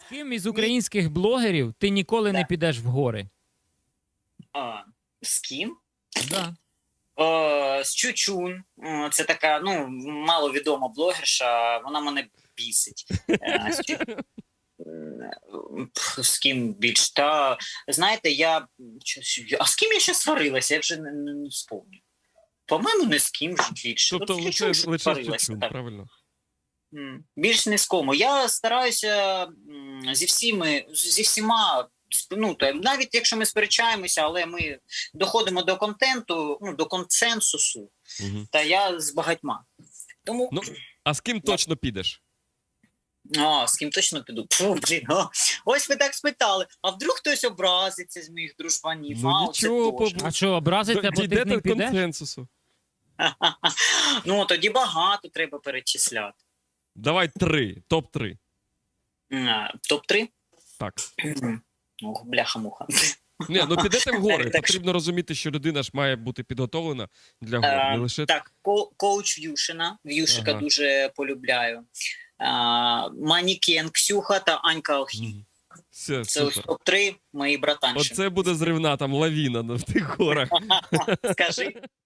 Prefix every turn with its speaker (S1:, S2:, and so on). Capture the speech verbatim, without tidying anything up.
S1: Ким із українських блогерів ти ніколи не підеш в гори?
S2: А, з ким?
S1: Да.
S2: О, з Чучун. О, Це така, ну, маловідома блогерша, вона мене бісить. Е, з Чу- М, пф, З ким більш? Та, знаєте, я... щось- А з ким я ще сварилася? Я вже не, не, не вспомню. По-моєму, не з ким ж більше.
S3: Тобто
S2: От з
S3: лише,
S2: Чучун ж
S3: лише
S2: сварилася,
S3: Чучун,
S2: так.
S3: правильно?
S2: М, Більш не з кому. Я стараюся м, зі всіми, зі всіма, сп- ну, та, навіть якщо ми сперечаємося, але ми доходимо до контенту, ну, до консенсусу,
S3: Угу.
S2: та я з багатьма. Тому,
S3: Ну, а з ким точно підеш?
S2: а, з ким точно піду? Фу, блін, а. Ось ви так спитали, а вдруг хтось образиться з моїх дружбанів?
S3: Ну,
S2: а,
S3: нічого,
S2: оце точно.
S1: А що, образиться, бо ти з
S3: Дійдете
S1: ним
S3: до
S1: підеш?
S3: консенсусу.
S2: Ну, тоді багато треба перечисляти.
S3: Давай три, топ три.
S2: А, топ-три?
S3: Так.
S2: Ох, бляха-муха.
S3: Ні, ну підете в гори.
S2: Так,
S3: Потрібно розуміти, що людина ж має бути підготовлена для гор. Не
S2: Е,
S3: лише
S2: Так, ко- коуч В'юшина. В'юшика
S3: Ага.
S2: дуже полюбляю. А, Манікен Ксюха та Анька Алхім.
S3: Мгм. Все,
S2: Це ось
S3: супер.
S2: топ-три мої братанші.
S3: Оце буде зривна там лавіна на- в тих горах.
S2: Скажи.